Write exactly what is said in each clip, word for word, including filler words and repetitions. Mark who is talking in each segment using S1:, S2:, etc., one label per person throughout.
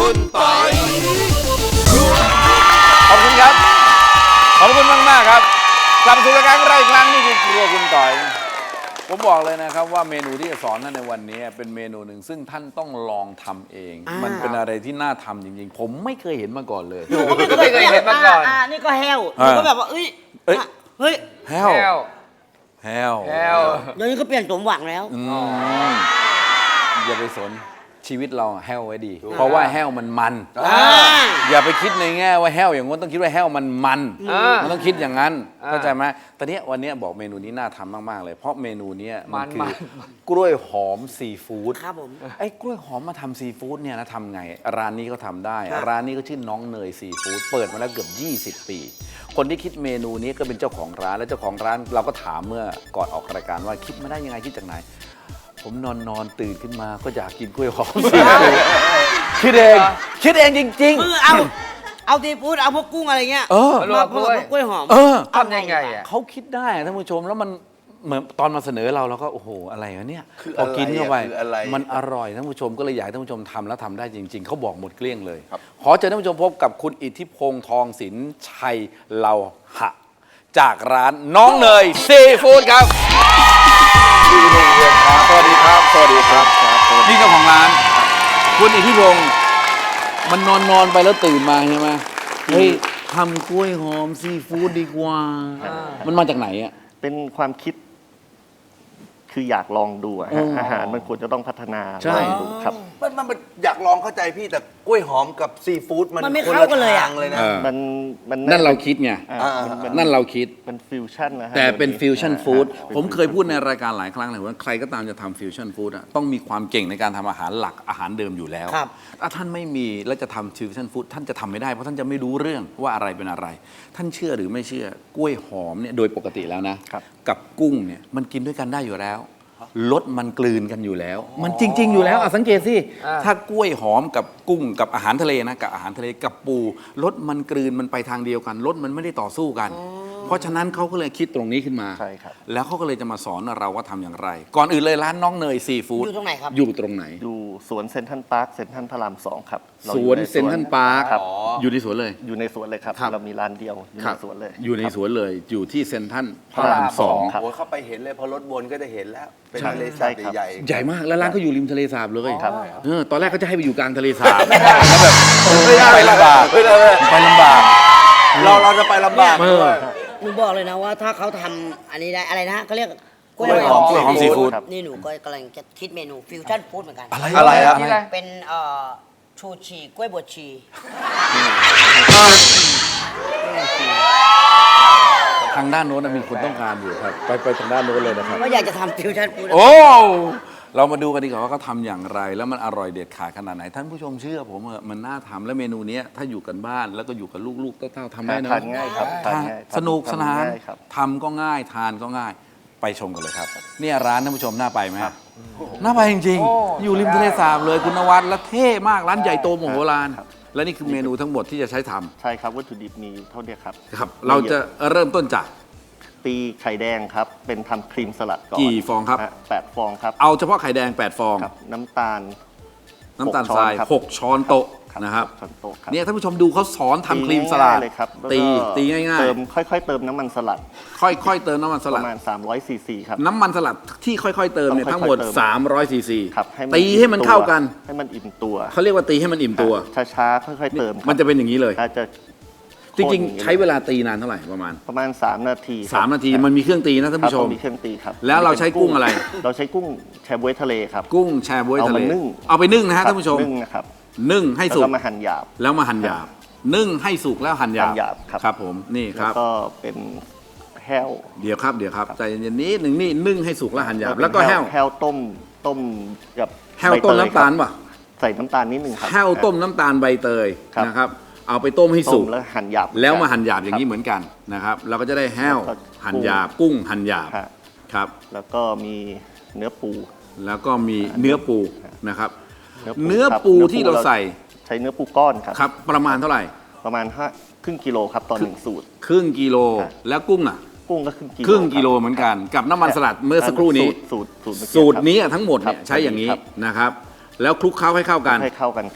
S1: คุณปอย
S2: ขอบคุณครับขอบคุณมากมากครับกลับมาสู่รายการเราอีกครั้งนี่คือครัวคุณต่อยผมบอกเลยนะครับว่าเมนูที่จะสอนท่านในวันนี้เป็นเมนูหนึ่งซึ่งท่านต้องลองทำเองมันเป็นอะไรที่น่าทำจริงๆผมไม่เคยเห็นมาก่อนเลย
S3: ผมก็ไม่เคยเห็นมาก่อนอ่านี่ก็แห้วหนูก็แบบว่าเอ้ยเฮ้ย
S2: แห้วแห้วแห้ว
S3: เดี๋ยวนี้ก็เปลี่ยนสมหวังแล้ว
S2: อย่าไปสนชีวิตเราแห้วไว้ดีเพราะว่าแห้วมันมันอย่าไปคิดในแง่ว่าแห้วอย่างงั้นต้องคิดว่าแห้วมันมันมันต้องคิดอย่างนั้นเข้าใจไหมตอนนี้วันนี้บอกเมนูนี้น่าทำมากๆเลยเพราะเมนูนี้มันคือกล้วยหอมซีฟู้ด
S3: ครับผม
S2: ไอ้กล้วยหอมมาทำซีฟู้ดเนี่ยนะทำไงร้านนี้ก็ทำได้ร้านนี้ก็ชื่อน้องเนยซีฟู้ดเปิดมาแล้วเกือบยี่สิบปีคนที่คิดเมนูนี้ก็เป็นเจ้าของร้านและเจ้าของร้านเราก็ถามเมื่อก่อนออกรายการว่าคิดมาได้ยังไงคิดจากไหนผมนอนนอนตื่นขึ้นมาก็อยากกินกล้วยหอมซีฟู้ดคิดเองคิดเองจริงๆ
S3: คือเอาเอาซีฟู้ดเอาพวกกุ้งอะไรเงี้ยมาผสมกับกล้วยหอม
S1: ทำยังไงอ่ะ
S2: เขาคิดได้ท่านผู้ชมแล้วมันเหมือนตอนมาเสนอเราเราก็โอ้โหอะไรวะเนี่ยพอกินเข้าไปมันอร่อยท่านผู้ชมก็เลยอยากให้ท่านผู้ชมทำแล้วทำได้จริงๆเขาบอกหมดเกลี้ยงเลยขอเชิญท่านผู้ชมพบกับคุณอิทธิพงษ์ทองศิลป์ชัยเลาหะจากร้านน้องเนยซีฟู้ดครับสวัสดีครับสวัสดีครับนี่เจ้าของร้านคุณอิทธิพงษ์มันนอนนอนไปแล้วตื่นมาใช่ไหมเฮ้ยทำกล้วยหอมซีฟู้ดดีกว่ามันมาจากไหนอ่ะ
S4: เป็นความคิดคืออยากลองดูอาหารมันควรจะต้องพัฒนาลองดูครับ
S1: มันมันอยากลองเข้าใจพี่แต่กล้วยหอมกับซีฟู้ดมัน
S3: ไม่เข้ากันเลยอ่ะ
S1: เลยนะ
S4: มันมัน
S2: นั่นเราคิดไงนั่นเราคิด
S4: เป็นฟิวชั่นนะฮะ
S2: แต่เป็นฟิวชั่นฟู้ดผมเคยพูดในรายการหลายครั้งเลยว่าใครก็ตามจะทำฟิวชั่นฟู้ดต้องมีความเก่งในการทำอาหารหลักอาหารเดิมอยู่แล้วถ้าท่านไม่มีแล้วจะทำฟิวชั่นฟู้ดท่านจะทำไม่ได้เพราะท่านจะไม่รู้เรื่องว่าอะไรเป็นอะไรท่านเชื่อหรือไม่เชื่อกล้วยหอมเนี่ยโดยปกติแล้วนะกับกุ้งเนี่ยมันกินด้วยกันได้อยู่แล้วรสมันกลืนกันอยู่แล้วมันจริงๆอยู่แล้วอ่ะสังเกตสิถ้ากล้วยหอมกับกุ้งกับอาหารทะเลนะกับอาหารทะเลกับปูรสมันกลืนมันไปทางเดียวกันรสมันไม่ได้ต่อสู้กันเพราะฉะนั้นเขาก็เลยคิดตรงนี้ขึ้นมา
S4: ใช่ครับ
S2: แล้วเขาก็เลยจะมาสอนเราว่าทำอย่างไรก่อนอื่นเลยร้านน้องเนยซีฟู้ด
S3: อยู่ตรงไหนครับ
S2: อยู่ตรงไหน
S4: อยู่สวนเซ็นทรัลพาร์คเซ็นทรัลพระรามสองครับ
S2: สวนเซ็นทรัลพาร์คอยู่ในสวนเลย
S4: อยู่ในสวนเลยครับเรามีร้านเดียวอยู่ในสวนเลย
S2: อยู่ในสวนเลยอยู่ที่เซ็นทรัลพระรามสอง
S1: โอ้เข้าไปเห็นเลยพอรถวนก็จะเห็นแล้วเป็นทะเลสาบใหญ่
S2: ใหญ่มากแล้วร้านเขาอยู่ริมทะเลสาบเลยเออตอนแรกเขาจะให้ไปอยู่กลางทะเลสาบ
S1: แล้วแบบไปลำบาก
S2: ไปลำบาก
S1: เราเราจะไปลำบาก
S3: หนูบอกเลยนะว่าถ้าเขาทำอันนี้ได้อะไรนะเขาเรียก
S2: กล้วยหอมกล้วยหอมซีฟู้ด
S3: นี่หนูก็กำลังจะคิดเมนูฟิวชั่นฟู้ดเหมือนกัน
S2: อะไรอะไรครับ
S3: เป็นเอ่อชูชีกล้วยบวชชี
S2: ทางด้านโน้นมีคนต้องการอยู่ครับไปไปทางด้านโน้นเลยนะครับ
S3: ว่าอยากจะทำฟิวชั่นฟู้ด
S2: โอ้เรามาดูกันดีกว่าว่าเขาทำอย่างไรแล้วมันอร่อยเด็ดขาดขนาดไหนท่านผู้ชมเชื่อผมเออมันน่าทำและเมนูนี้ถ้าอยู่กันบ้านแล้วก็อยู่กับลูกๆเต้าๆทำได้นะ
S4: ทานง่ายครับ
S2: สนุกสนานทำก็ง่ายทานก็ง่ายไปชมกันเลยครับนี่ร้านท่านผู้ชมน่าไปไหมน่าไปจริงๆอยู่ริมทะเลสาบเลยคุณนวัดและเท่มากร้านใหญ่โตโมโหลานและนี่คือเมนูทั้งหมดที่จะใช้ทำ
S4: ใช่ครับวัตถุดิบมีเท่านี้ครับ
S2: ครับเราจะเริ่มต้นจาก
S4: ตีไข่แดงครับเป็นทำครีมสลัดก่อน
S2: กี่ฟองครับ
S4: แปดฟองครับ
S2: เอาเฉพาะไข่แดงแปดฟอง
S4: น้ำตาล
S2: น้ำตาลทรายหกช้อนโต๊ะนะครับเนี่ยท่านผู้ชมดูเขาสอนทำครีมสลัดตีตีง่ายๆ
S4: เติมค่อยๆเติมน้ำมันสลัด
S2: ค่อยๆเติมน้ำมันสลัด
S4: ประมาณสามร้อยซีซีครับ
S2: น้ำมันสลัดที่ค่อยๆเติมเนี่ยทั้งหมดสามร้อยซีซีตีให้มันเข้ากัน
S4: ให้มันอิ่มตัว
S2: เขาเรียกว่าตีให้มันอิ่มตัว
S4: ช้าๆค่อยๆเติม
S2: มันจะเป็นอย่างนี้เลย
S4: จะ
S2: จริงๆใช้เวลาตีนานเท่าไหร่ประมาณ
S4: ประมาณสามนาที
S2: สามนาทีมันมีเครื่องตีนะท่านผู้ชม
S4: มีเครื่องตีครับ
S2: แล้วเราใช้กุ้งอะไร
S4: เราใช้กุ้งแชบ๊วยทะเลครับ
S2: กุ้งแชบ๊วยทะเลเอาไปนึ่งนะฮะท่านผู้ชม
S4: นึ่งนะครับ
S2: นึ่งให้สุก
S4: แล้วมาหั่นหยาบ
S2: แล้วมาหั่นหยาบนึ่งให้สุกแล้วหั่นหยาบครับผมนี่ครับ
S4: ก็เป็นแห้ว
S2: เดี๋ยวครับเดี๋ยวครับใจเย็นๆนิดหนึ่งนี่นึ่งให้สุกแล้วหั่นหยาบแล้วก็แห้ว
S4: แห้วต้มต้มกับ
S2: แห้วต้มน้ำตาลป่ะ
S4: ใส่น้ำตาลนิดนึงครับ
S2: แห้วต้มน้ำตาลใบเตยนะครับเอาไปต้มให้สุก
S4: แล้วหั่นหยาบ
S2: แล้วมาหั่นหยาบอย่างนี้เหมือนกันนะครับเราก็จะได้แห้วหั่นหยาบกุ้งหั่นหยาบครับ
S4: แล้วก็มีเนื้อปู
S2: แล้วก็มีเนื้อปูนะครับเนื้อปูที่เราใส่
S4: ใช้เนื้อปูก้อนครับ
S2: ครับประมาณเท่าไหร่
S4: ประมาณห้าครึ่งกิโลครับต่อหนึ่งสูตร
S2: ครึ่งกิโลแล้วกุ้งอ่ะ
S4: กุ้งก็ครึ่งกิโล
S2: ครึ่งกิโลเหมือนกันกับน้ำมันสลัดเมื่อสักครู่นี้
S4: สูตร
S2: สูตรนี้ทั้งหมดเนี่ยใช้อย่างนี้นะครับแล้วคลุกเคล้าให้เข้ากัน
S4: ให้เข้ากันครับ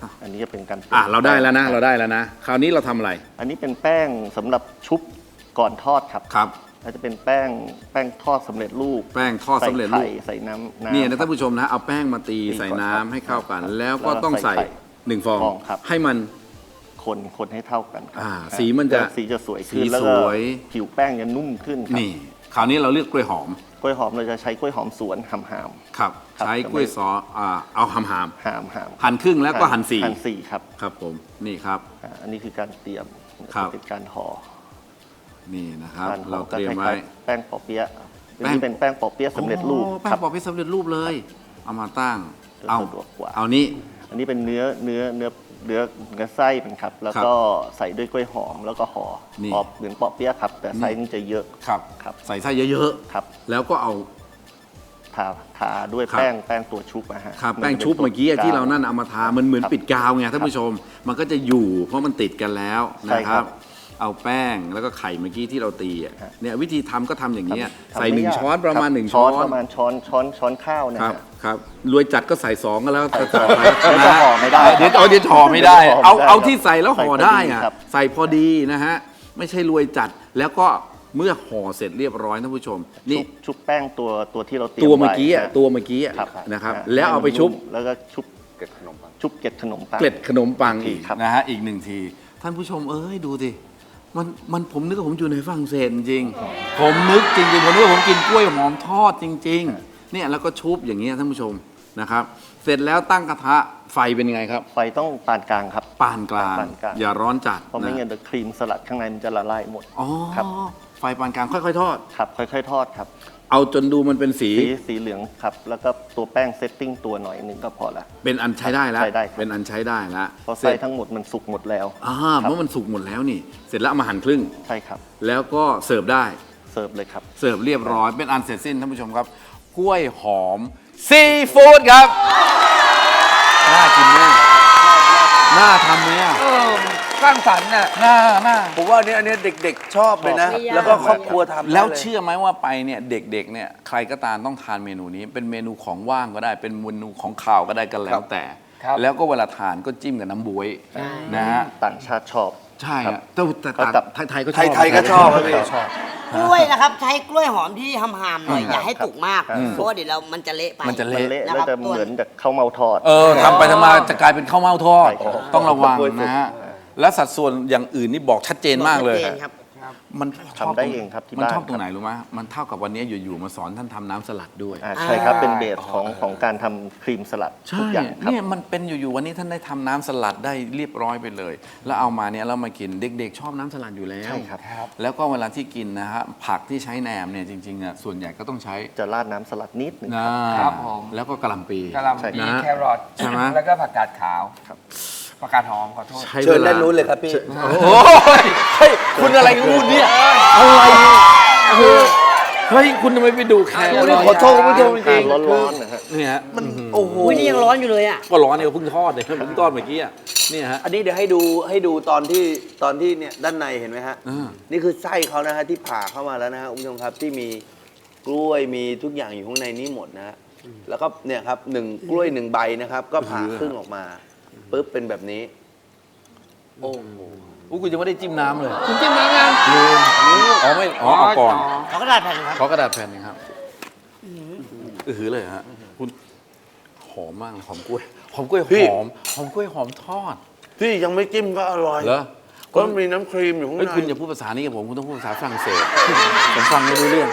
S4: อันนี้จะเป็นการ
S2: อ่ะเราได้แล้วนะเราได้แล้วนะคราวนี้เราทำอะไร
S4: อันนี้เป็นแป้งสำหรับชุบก่อนทอดครับ
S2: ครับ
S4: ก็จะเป็นแป้งแป้งทอดสำเร็จรูป
S2: แป้งทอดสำเร็จรูป
S4: ใส่ไข่ใส่น้ำำ
S2: นี่นะ
S4: ค
S2: ท่า
S4: รับ
S2: นผู้ชมนะเอาแป้งมาตี
S4: ตี
S2: ใส่
S4: ก่อน
S2: น้ำ
S4: ครับ
S2: ให้เข้ากัน
S4: ครับ
S2: แล้วก็
S4: แล้วก็
S2: ต้องใส่
S4: ใส่ไข่
S2: หนึ่งฟอง
S4: ฟองครับ
S2: ให้มัน
S4: คนคนให้เท่ากันครั
S2: อ่า
S4: บ
S2: สีมันจะ
S4: สีจะสวย
S2: สี
S4: ขึ้นแล้ว
S2: ส
S4: ก็
S2: วย
S4: ผิวแป้งจะนุ่มขึ้นครับ
S2: นี่ คราวนี้เราเลือกกล้วยหอม
S4: กล้วยหอมเราจะใช้กล้วยหอมสวนหำหาม
S2: ครับ
S4: ครับ
S2: ใช้กล้วยซออ่าเอาหำหาม
S4: หามหาม
S2: หั่นครึ่งแล้วก็หั่นสี่
S4: หั่นสี่ครับ
S2: ครับผมนี่ครับ
S4: อ่าอันนี้คือการเตรียม
S2: ครับ
S4: เป็นการห่อ
S2: นี่นะครับ
S4: การห่
S2: เรา
S4: อ
S2: เตรียมไว้
S4: ก็คล้ายๆแป้งปอเปี๊ยะอัน
S2: แป้ง
S4: นี้เป็นแป้งปอเปี๊ยะสำเร็จรูป
S2: โอ้แป้
S4: ครั
S2: ง
S4: บ
S2: ปอกเป็นสำเร็จรูปเลย เอามาตั้ง
S4: จะ
S2: เอา
S4: สะดวกกว่า
S2: เอานี้
S4: อันนี้เป็นเนื้อเนื้อเนื้อเนื้อเนื้อไส้เป็นครับ แล้วก็ใส่ด้วยกล้วยหอมแล้วก็ห่อ
S2: นี่
S4: ปอบเหมือนปอเปี๊ยะครับ แต่ไส้นี่จะเยอะ
S2: ครับ
S4: ครับ
S2: ใส่ไส้เยอะ
S4: ครับ
S2: ๆ แล้วก็เอา
S4: ทาทาด้วย
S2: ครับ
S4: แป้งแป้งตัวชุบนะฮะ
S2: ครับ
S4: น
S2: แป้ง
S4: จะ
S2: ชุบ
S4: ป็น
S2: เมื่อกี้
S4: ตัว
S2: ที่เรานั่นเอามาทา มันเหมือน
S4: ครับ
S2: ปิดกาวไงท่านผู้ชม มันก็จะอยู่เพราะมันติดกันแล้ว
S4: ใช่
S2: นะค
S4: ครั
S2: รับ
S4: บ
S2: เอาแป้งแล้วก็ไข่เมื่อกี้ที่เราตีอ่ะ
S4: ครับ
S2: เนี่ยวิธีทำก็ทำอย่างนี้ย
S4: ทำ
S2: ใส่หนึ่ง
S4: ไม่ยาก
S2: ช้อนประมาณ
S4: คบ
S2: หนึ่งช้อน
S4: ประมาณช้อนช้อนช้อนข้าวนะ
S2: ครับ
S4: ฮะ
S2: ครับรวยจัดก็ใส่สองก็แล้ว
S4: ใส่
S2: แต่
S4: สอง
S2: ไป
S4: เดี๋ยวจะห่อไม่ได้
S2: เดี๋ยวเอาเดี๋ยวห่อไม่ได้
S4: เดี๋ยวห่อไม่ได้
S2: เอา
S4: ครับ
S2: เอาที่ใส่แล้วห่อ
S4: ใส่พอดี
S2: ได้อ่ะ
S4: ครับ
S2: ใส่พอดีนะฮะไม่ใช่รวยจัดแล้วก็เมื่อห่อเสร็จเรียบร้อยท่านผู้ชมนี่
S4: ชุบชุบแป้งตัวตัวที่เราเตรียม
S2: ตัวเมื่อกี้อ่ะ
S4: ไว้
S2: ตัวเมื่อกี้อ่ะ
S4: ครับ
S2: นะครับ
S4: ฮ
S2: แล้วเอาไปชุบ
S4: แล้วก็ชุบเกล็ดขนมปังชุบเกล็ดขนมปัง
S2: เกล็ดขนมปัง
S4: อี
S2: อีก
S4: กครับ
S2: นะฮะอีกหนึ่งที ท่านผู้ชมเอ้ยดูดิมันมันผมนึกว่าผมอยู่ในฝรั่งเศสจริงๆผมนึกจริงๆผมนึกว่าผมกินกล้วยหอมทอดจริงๆเนี่ยแล้วก็ชุบอย่างเงี้ยท่านผู้ชมนะครับ เสร็จแล้วตั้งกระทะไฟเป็นยังไงครับ
S4: ไฟต้องปานกลางครับ
S2: ปานกลาง
S4: ปานกลาง
S2: อย่าร้อนจัด
S4: เพราะไม่
S2: นะ
S4: งั้นเดี๋ยวครีมสลัดข้างในมันจะละลายหมด
S2: อ๋อ
S4: ครับ
S2: ไฟปานกลางค่อยๆทอด
S4: ครับค่อยๆทอดครับ
S2: เอาจนดูมันเป็นสี
S4: สีสีเหลืองครับ แล้วก็ตัวแป้งเซตติ้งตัวหน่อยหนึ่งก็พอละ
S2: เป็นอันใช้ได้แล้ว
S4: ใช้ได้ครับ
S2: เป็นอันใช้ได้แล้ว
S4: เพราะ
S2: เส
S4: ไส้
S2: ร็จ
S4: ทั้งหมดมันสุกหมดแล้ว
S2: อ่า
S4: ครับ
S2: เพราะมันสุกหมดแล้วนี่ เสร็จแล้วเอามาหั่นครึ่ง
S4: ใช่ครับ
S2: แล้วก็เสิร์ฟได้
S4: เสิร์ฟเลยครับ
S2: เสิร์ฟเรียบร้อยเป็นอันเสร็จสิ้นท่านผู้ชมครับกล้วยหอมซีฟู้ดครับ น่ากินไหมน่าทำไหมอ่ะ
S5: เออสร้างสรรค์น่ะ
S2: น่าน่า
S1: ผมว่าอันนี้อันนี้เด็กๆชอบเลยนะ
S3: ไม่ยาก
S1: แล้วก็ครอบครัวทำได้
S2: แล้ว
S1: ย
S2: เชื่อไหมว่าไปเนี่ยเด็กๆเนี่ยใครก็ตามต้องทานเมนูนี้ เป็นเมนูของว่างก็ได้ เป็นเมนูของข่าวก็ได้กันแล้วแต่
S5: ครับ
S2: แล้วก็เวลาทานก็จิ้มกับน้ำบ๊วยนะฮะ
S4: ต่างชาติชอบ
S2: ใช่
S4: ครั
S2: ฮะ
S4: บ
S2: แต่แต่
S4: ก็จับ
S2: ไทยไทยๆก็ชอบ
S1: ไทยๆก็ชอบครับพี่
S4: ชอบ
S3: กล้วยนะครับใช้กล้วยหอมที่หำๆหน่อยอย่าให้สุกมาก
S4: ครับ
S3: เพราะว่าเดี๋ยวเรามันจะเละไป
S2: มันจะ
S4: มัน
S2: เละ
S4: เละ
S3: นะ
S4: แล้ว
S3: ครับ
S4: จะเหมือนกับข้าวเมาทอด
S2: เออทำไปทำมาจะกลายเป็นข้าวเม่าทอด
S4: ใช่ครับ
S2: ต้องระวัง
S4: กล้วยสุก
S2: นะฮะ และสัดส่วนอย่างอื่นนี่บอกชัดเจนมากเลย
S3: ชัดจนครับ
S2: มันชอบ
S4: ทำได้เองครับที่
S2: มัน
S4: บ้าน
S2: ชอบตรง
S4: ครับ
S2: ไหนรู้ไหมมันเท่ากับวันนี้อยู่ๆมาสอนท่านทำน้ำสลัดด้วย
S4: อ่าใช่ครับ เป็นเบสของของการทำครีมสลัดทุ
S2: ใช่
S4: กอย่างครับ
S2: เนี่ยมันเป็นอยู่ๆวันนี้ท่านได้ทำน้ำสลัดได้เรียบร้อยไปเลย แล้วเอามาเนี่ยเรามากินเด็กๆ ชอบน้ำสลัดอยู่แล้ว
S4: ใช่ครับ
S2: แล้วก็เวลาที่กินนะฮะผักที่ใช้แหนมเนี่ยจริงๆอ่ะส่วนใหญ่ก็ต้องใช้
S4: จะราดน้ำสลัดนิดหนึง
S2: นะครับ
S5: ผม
S2: แล้วก็กระหล่ำปี
S5: กะหล่ำ
S4: ใช่
S5: ปี
S2: นะ
S5: แครอท
S2: ใช่ไหม
S5: แล้วก็ผักกาดขาว
S4: ครับ
S5: ผักกาดหอมขอโทษ
S2: ใช้
S1: เชิญ
S2: วล
S1: ด้านนู้นเลยครับพี่
S2: โอ้ยเฮ้ยคุณอะไรกันพูดเนี่ยอะไรเนี่ยเออเฮ้ยคุณทำไมไปดูแคร
S1: โอ้นี่ขอโทษคุณผู้ชมจ
S4: ทา
S1: ริ
S4: น
S1: ง
S4: ร้อนๆนะฮะ
S2: เนี่ยฮะ
S1: ๆมันโอ้โห
S3: อุ้ยนี่ยังร้อนอยู่เลยอ่ะ
S2: ก็ร้อนเนี่ยเพิ่งทอดเลยเพิ่งทอดเมื่อกี้อ่ะเนี่ยฮะ
S1: อันนี้เดี๋ยวให้ดูให้ดูตอนที่ตอนที่เนี่ยด้านในเห็นไหมฮะ
S2: อ่า
S1: นี่คือไส้เขานะฮะที่ผ่าเข้ามาแล้วนะฮะคุณผู้ชมครับที่มีกล้วยมีทุกอย่างอยู่ข้างในนี้หมดนะฮะแล้วก็เนี่ยครับหนึ่งกล้วยหนึ่งใบนะครับ ก็ผ่าครึ่งออกมาปุ๊บเป็นแบบนี้ โอ้โห
S2: อู้กูยังไม่ได้จิ้มน้ำเลย
S5: คุณจิ้มน้ำยัง
S2: ลืมอ๋อไม่อ๋อเอาก่อน
S3: ขอกระดาษแผ่นครับ
S2: ขอกระดาษแผ่นหนึงครับอือหือเลยฮะคุณหอมมากเลยหอมกล้วยหอมกล้วยห
S1: พี่
S2: อมหอมกล้วยหอมทอด
S1: ที่ยังไม่จิ้มก็อร่อย
S2: เหรอ
S1: ก็มีน้ำครีมอยู่ข้าง
S2: เฮ้ย
S1: ใน
S2: คุณอย่าพูดภาษานี้กับผมคุณต้องพูดภาษาฝรั่งเศสผมฟังไม่รู้เรื่อง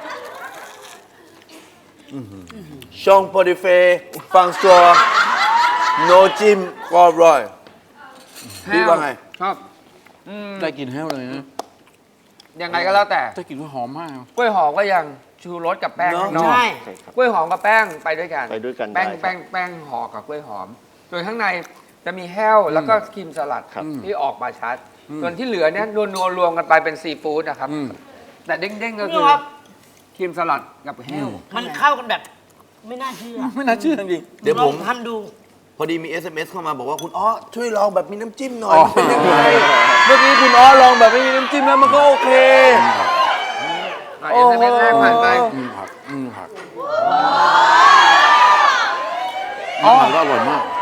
S1: ชองโปรดิเฟฟังสตรอโนจิมก็อร่อย พี่ว่าไง
S5: ชอบ
S2: ได้กลินแห้วเลยนะ
S5: ยังไงก็แล้วแต่
S2: ได้กลินว่าหอมมาก
S5: กล้วยหอมก็ยังชูรสกับแป้ง
S1: เนอะ
S5: ข้างนอก
S3: ใช่
S4: ใช่ครับ
S5: กล้วยหอมกับแป้งไปด้วยกัน
S4: ไปด้วยกัน
S5: แป้ง
S4: ได้ครับ
S5: แป้งแป้งห่อกับกล้วยหอม ส่วนข้างในจะมีแห้วแล้วก็ครีมสลัด
S4: ครับ
S5: ที่ออกมาชัด ส่วนที่เหลือเนี่ยนัวนัวๆรวมกันไปเป็นซีฟู้ดนะครับ
S2: อืม
S5: แต่เด้งๆก็
S3: นี่
S5: คือ
S3: ครับ
S5: ครีมสลัดกับแห้ว
S3: มันเข้ากันแบบ ไม่น่าเชื่อ
S2: ไม่น่าเชื่อจริง
S1: เดี๋ยวผม
S3: ลองทำดู
S1: พอดีมี เอส เอ็ม เอส เข้ามาบอกว่าคุณอ้อช่วยลองแบบมีน้ำจิ้มหน่อย
S2: อ๋อ
S1: มันเป็นยังไงเมื่อกี้คุณอ้อลองแบบไม่มีน้ำจิ้มแล้วมันก็โอเค
S5: อ่ะเอสเอ็มเอสแรกผ่านไป
S2: อืมผักอืมผักอ๋อผักก็อร่อยมาก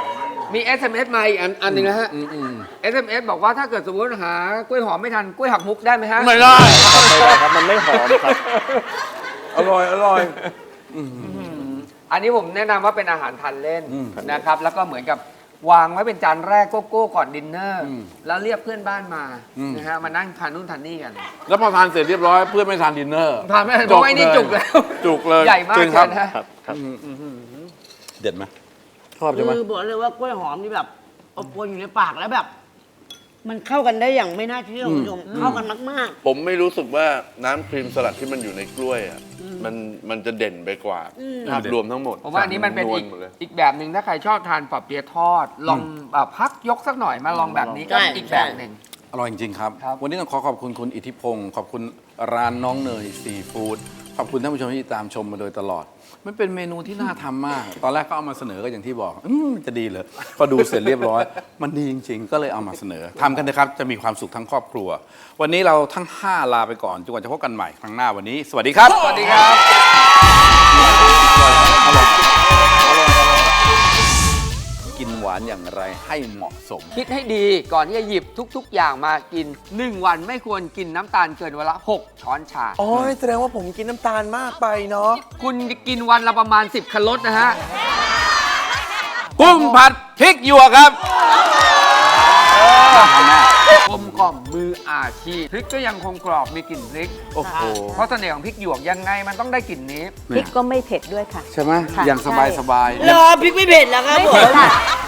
S5: มี เอส เอ็ม เอส มาอีกอันอันหนึ่งนะฮะ
S2: อืมอืม
S5: เอส เอ็ม เอส บอกว่าถ้าเกิดสมมติหากล้วยหอมไม่ทันกล้วยหักมุกได้ไหมฮะ
S2: ไม่ได้
S4: ไม่ได้ครับมันไม่หอมครับ
S2: อร่อยอร่อย
S5: อันนี้ผมแนะนำว่าเป็นอาหารทานเล่น
S2: อืม
S5: นะครับ แล้วก็เหมือนกับวางไว้เป็นจานแรกโกโก้ก่อนดินเนอร์
S2: อืม
S5: แล้วเรียกเพื่อนบ้านมา
S2: อืม
S5: นะฮะมานั่งทานนู่นทานนี่กัน
S2: แล้วพอทานเสร็จเรียบร้อยเพื่อนไม่ทานดินเนอร์
S5: ทานไม่ได้เพราะว่าไอ้นี่จุกแล้ว
S2: จุกเลย
S5: ใหญ่มาก
S2: จริง
S5: เกิ
S2: ครับ
S5: นนะ
S4: ครับครับ
S2: เด็ดไหมชอบใช่ไหม
S3: คือบอกเลยว่ากล้วยหอมนี่แบบอบอวนอยู่ในปากแล้วแบบ มันเข้ากันได้อย่างไม่น่าเชื่อคุณผู้ชมเข้ากันมาก
S1: ผมไม่รู้สึกว่าน้ำครีมสลัดที่มันอยู่ในกล้วยอ่ะมันมันจะเด่นไปกว่าภาพรวมทั้งหมด
S5: ผมว่าอันนี้มันเป็นอีก
S1: วหมดเลย
S5: อีกแบบหนึ่งถ้าใครชอบทานปอเปี๊ยะทอด ลองแบบพักยกสักหน่อยมาลองแบบนี้ก็
S3: ใช่
S5: อีกแบบหนึ่ง
S2: อร่อยจริงๆครับ
S5: ครับ
S2: วันนี้ต้องขอขอบคุณคุณอิทธิพงศ์ขอบคุณร้านน้องเนยซีฟู้ดขอบคุณท่านผู้ชมที่ตามชมมาโดยตลอด มันเป็นเมนูที่น่าทำมาก ตอนแรกก็เอามาเสนอก็อย่างที่บอกอืมมันจะดีเหรอพอดูเสร็จเรียบร้อย มันดีจริงๆ ก็เลยเอามาเสนอทำกันนะครับจะมีความสุขทั้งครอบครัว วันนี้เราทั้งห้าลาไปก่อนจนกว่าจะพบกันใหม่ครั้งหน้าวันนี้ สวัสดีครับ
S5: สวัสดีครับ
S2: กินหวานอย่างไรให้เหมาะสม
S5: คิดให้ดีก่อนที่จะหยิบทุก ๆ อย่างมากิน หนึ่ง วันไม่ควรกินน้ำตาลเกินวันละ หก ช้อนชา
S1: โอ้ยแสดงว่าผมกินน้ำตาลมากไปเนาะ
S5: คุณกินวันละประมาณ สิบ คันรถนะฮะ
S2: กุ้งผัดพริกหยวกครับ
S5: กลมกล่อมมืออาชีพพริกก็ยังคงกรอบมีกลิ่นพริก
S2: โอ้โห
S5: เพราะเสน่ห์ของพริกหยวกยังไงมันต้องได้กลิ่นนี้
S6: พริกก็ไม่เผ็ดด้วยค่ะ
S2: ใช่ไหม
S6: ค่ะ
S2: อย่างสบายสบาย
S3: ๆรอพริกไม่เผ็ดแล้วครับ
S6: ไม่
S3: ผ
S6: เผ็ด
S3: ม
S6: ค่ะ